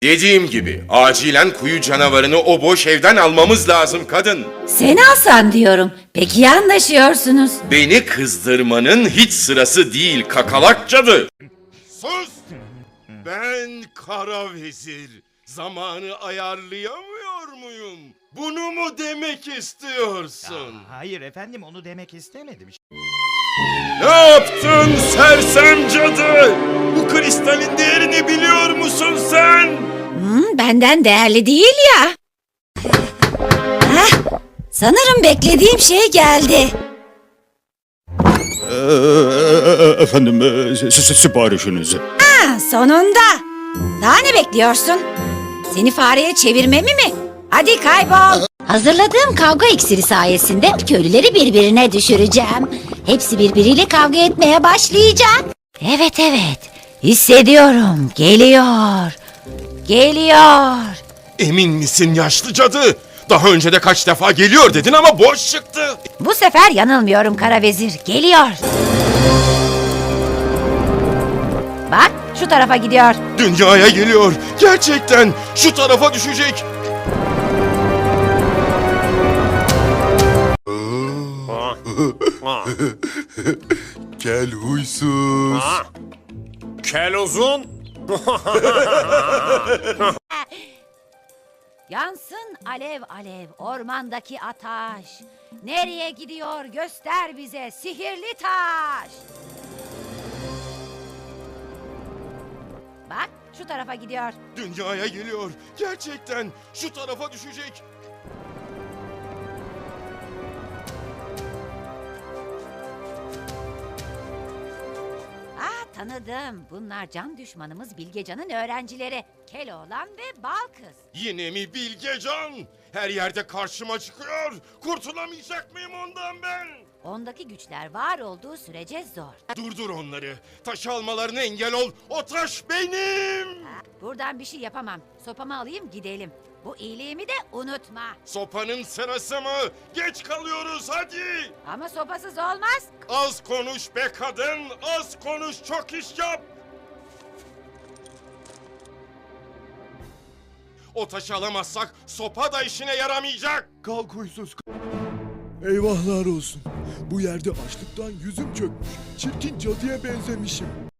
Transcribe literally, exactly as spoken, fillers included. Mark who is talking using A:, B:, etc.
A: Dediğim gibi acilen kuyu canavarını o boş evden almamız lazım kadın.
B: Seni alsan diyorum. Peki ya anlaşıyorsunuz?
A: Beni kızdırmanın hiç sırası değil kakalak cadı. Sus! Ben kara vezir. Zamanı ayarlayamıyor muyum? Bunu mu demek istiyorsun?
C: Aa, hayır efendim, onu demek istemedim.
A: Ne yaptın sersem cadı? Bu kristalin değerini biliyor musun sen?
B: Hmm, benden değerli değil ya. Hah, sanırım beklediğim şey geldi.
D: Ee, efendim, e, si- si- siparişinizi.
B: Ha, sonunda. Daha ne bekliyorsun? Seni fareye çevirmemi mi? Hadi kaybol. Hazırladığım kavga iksiri sayesinde köylüleri birbirine düşüreceğim. Hepsi birbiriyle kavga etmeye başlayacak. Evet evet. Hissediyorum. Geliyor. Geliyor.
A: Emin misin yaşlı cadı? Daha önce de kaç defa geliyor dedin ama boş çıktı.
B: Bu sefer yanılmıyorum kara vezir. Geliyor. Bak şu tarafa gidiyor.
A: Dünyaya geliyor. Gerçekten şu tarafa düşecek.
E: Gel huysuz.
F: Kel uzun.
B: Yansın alev alev ormandaki ataş. Nereye gidiyor göster bize sihirli taş. Bak şu tarafa gidiyor.
A: Dünyaya geliyor. Gerçekten şu tarafa düşecek.
B: Ah tanıdım. Bunlar can düşmanımız Bilgecan'ın öğrencileri. Keloğlan ve Balkız.
A: Yine mi Bilgecan? Her yerde karşıma çıkıyor. Kurtulamayacak mıyım ondan ben?
B: Ondaki güçler var olduğu sürece zor.
A: Durdur onları. Taş almalarına engel ol. O taş benim.
B: Ah, buradan bir şey yapamam. Sopamı alayım gidelim. Bu iyiliğimi de unutma.
A: Sopanın sırası mı? Geç kalıyoruz hadi.
B: Ama sopasız olmaz.
A: Az konuş be kadın. Az konuş çok iş yap. O taşı alamazsak sopa da işine yaramayacak.
E: Kalk huysuz. Eyvahlar olsun. Bu yerde açlıktan yüzüm çökmüş. Çirkin cadıya benzemişim.